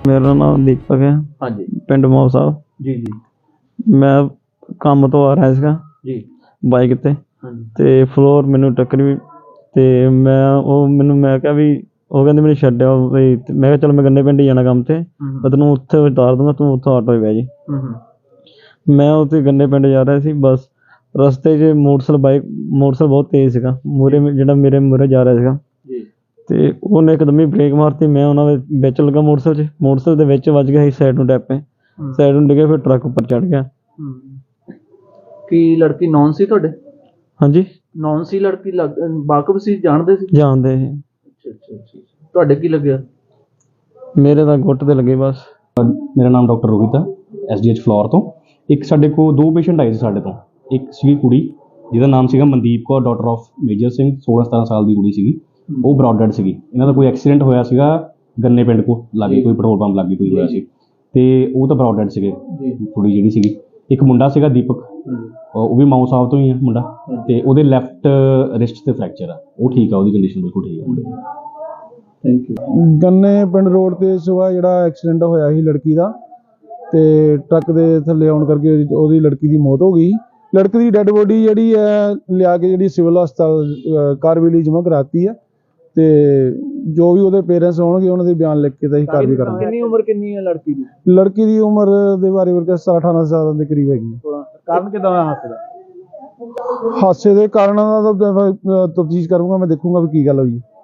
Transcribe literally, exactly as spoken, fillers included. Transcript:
मेरा नाम दीपक है। हाँ जी पिंड मोह साहब। जी जी मैं ਕੰਮ ਤੋਂ ਆ ਰਿਹਾ ਸੀਗਾ जी ਬਾਈਕ ਤੇ हाँ जी ਤੇ ਫਲੋਰ ਮੈਨੂੰ ਟੱਕਰੀ ਤੇ ਮੈਂ ਉਹ ਮੈਨੂੰ ਮੈਂ ਕਿਹਾ ਵੀ ਉਹ ਕਹਿੰਦੇ ਮੈਨੂੰ ਛੱਡਿਆ ਵੀ ਤੇ ਮੈਂ ਕਿਹਾ ਚਲ ਮੈਂ ਗੰਨੇ ਪਿੰਡ ਹੀ ਜਾਣਾ ਕੰਮ ਤੇ हम्म, ਮੈਂ ਤੈਨੂੰ ਉੱਥੇ ਉਤਾਰ ਦੂੰਗਾ ਤੂੰ ਉੱਥੋਂ ਆਟੋ 'ਚ ਬਹਿ ਜੀ। हम्म, हम्म, ਮੈਂ ਉੱਥੇ ਗੰਨੇ ਪਿੰਡ ਜਾ ਰਿਹਾ ਸੀ ਬਸ ਰਸਤੇ 'ਚ ਮੋਟਰਸਾਈਕਲ ਬਾਈਕ ਮੋਟਰਸਾਈਕਲ ਬਹੁਤ ਤੇਜ਼ ਸੀਗਾ ਮੂਹਰੇ ਜਿਹੜਾ ਮੇਰੇ ਮੂਹਰੇ ਜਾ ਰਿਹਾ ਸੀਗਾ जी ਤੇ ਉਹਨੇ ਇੱਕਦਮ ਹੀ ਬ੍ਰੇਕ ਮਾਰਤੀ। ਮੈਂ ਉਹਨਾਂ ਦੇ ਵਿੱਚ ਲੱਗਾ ਮੋਟਰਸਾਈਕਲ 'ਚ ਮੋਟਰਸਾਈਕਲ ਦੇ ਵਿੱਚ ਵੱਜ ਗਿਆ ਸੀ ਸਾਈਡ ਨੂੰ ਡੈਪੇ हम्म, ਸਾਈਡ ਨੂੰ ਡਿੱਗਿਆ ਫਿਰ ਟਰੱਕ ਉੱਪਰ ਚੜ੍ਹ ਗਿਆ। हम्म। ਕੀ ਲੜਕੀ ਨੌਨ ਸੀ ਤੁਹਾਡੇ? ਹਾਂਜੀ ਨੌਨ ਸੀ ਲੜਕੀ ਲੱਗ ਵਾਕਫ ਸੀ, ਜਾਣਦੇ ਸੀ? ਜਾਣਦੇ ਸੀ। ਅੱਛਾ ਅੱਛਾ ਅੱਛਾ। ਤੁਹਾਡੇ ਕੀ ਲੱਗਿਆ? ਮੇਰੇ ਤਾਂ ਗੁੱਟ ਤੇ ਲੱਗੇ ਬਸ। ਮੇਰਾ ਨਾਮ ਡਾਕਟਰ ਰੋਹਿਤ ਹੈ, ਐਸ ਡੀ ਐਚ ਫਲੋਰ ਤੋਂ। ਇੱਕ ਸਾਡੇ ਕੋਲ ਦੋ ਪੇਸ਼ੈਂਟ ਆਏ ਸੀ ਸਾਡੇ ਤੋਂ। ਇੱਕ ਸੀਗੀ ਕੁੜੀ ਜਿਹਦਾ ਨਾਮ ਸੀਗਾ Mandeep Kaur daughter of major Singh, ਸੋਲਾਂ ਸਤਾਰਾਂ ਸਾਲ ਦੀ ਕੁੜੀ ਸੀਗੀ। ਉਹ ਬਰੌਡ ਡੈਡ ਸੀਗੀ। ਇਹਨਾਂ ਦਾ ਕੋਈ ਐਕਸੀਡੈਂਟ ਹੋਇਆ ਸੀਗਾ ਗੰਨੇ ਪਿੰਡ ਕੋਲ ਲਾਗੇ, ਕੋਈ ਪੈਟਰੋਲ ਪੰਪ ਲਾਗੇ ਕੋਈ ਹੋਇਆ ਸੀ ਤੇ ਉਹ ਤਾਂ ਬਰੌਡ ਡੈਡ ਸੀਗੇ। ਕੁੜੀ ਜਿਹੜੀ ਸੀਗੀ, ਇੱਕ ਮੁੰਡਾ ਸੀਗਾ ਦੀਪਕ, ਉਹ ਵੀ ਮਾਊ ਸਾਹਿਬ ਤੋਂ ਹੀ ਆ ਮੁੰਡਾ, ਤੇ ਉਹਦੇ ਲੈਫਟ ਰਿਸਟ ਤੇ ਫ੍ਰੈਕਚਰ ਆ। ਉਹ ਠੀਕ ਆ, ਉਹਦੀ ਕੰਡੀਸ਼ਨ ਬਿਲਕੁਲ ਠੀਕ ਆ। Thank you. ਗੰਨੇ ਪਿੰਡ ਰੋਡ ਤੇ ਸੁਬਾਹ ਜਿਹੜਾ ਐਕਸੀਡੈਂਟ ਹੋਇਆ ਸੀ ਲੜਕੀ ਦਾ, ਤੇ ਟਰੱਕ ਦੇ ਥੱਲੇ ਆਉਣ ਕਰਕੇ ਉਹਦੀ ਲੜਕੀ ਦੀ ਮੌਤ ਹੋ ਗਈ। ਲੜਕੀ ਦੀ ਡੈੱਡ ਬੋਡੀ ਜਿਹੜੀ ਹੈ ਲਿਆ ਕੇ ਜਿਹੜੀ ਸਿਵਲ ਹਸਪਤਾਲ ਕਾਰਵਾਈ ਜਮ੍ਹਾਂ ਕਰਾਤੀ ਆ, ਤੇ ਜੋ ਵੀ ਉਹਦੇ ਪੇਰੈਂਟਸ ਹੋਣਗੇ ਉਹਨਾਂ ਦੇ ਬਿਆਨ ਲਿਖ ਕੇ ਤਾਂ ਅਸੀਂ ਕਾਰਵਾਈ ਕਰਾਂਗੇ। ਕਿੰਨੀ ਉਮਰ ਕਿੰਨੀ ਹੈ ਲੜਕੀ ਦੀ? ਲੜਕੀ ਦੀ ਉਮਰ ਦੇ ਬਾਰੇ ਵਰਗਾ ਸਤਾਰਾਂ ਅਠਾਰਾਂ ਸਾਲਾਂ ਦੇ ਕਰੀਬ ਹੈਗੀ ਹੈ। ਕਾਰਨ ਕਿਦਾਂ ਹੋਇਆ ਹਾਦਸੇ ਦਾ? ਹਾਦਸੇ ਦੇ ਕਾਰਨਾਂ ਦਾ ਤਾਂ ਤਫਤੀਸ਼ ਕਰੂੰਗਾ, ਮੈਂ ਦੇਖੂੰਗਾ ਵੀ ਕੀ ਗੱਲ ਹੋਈ।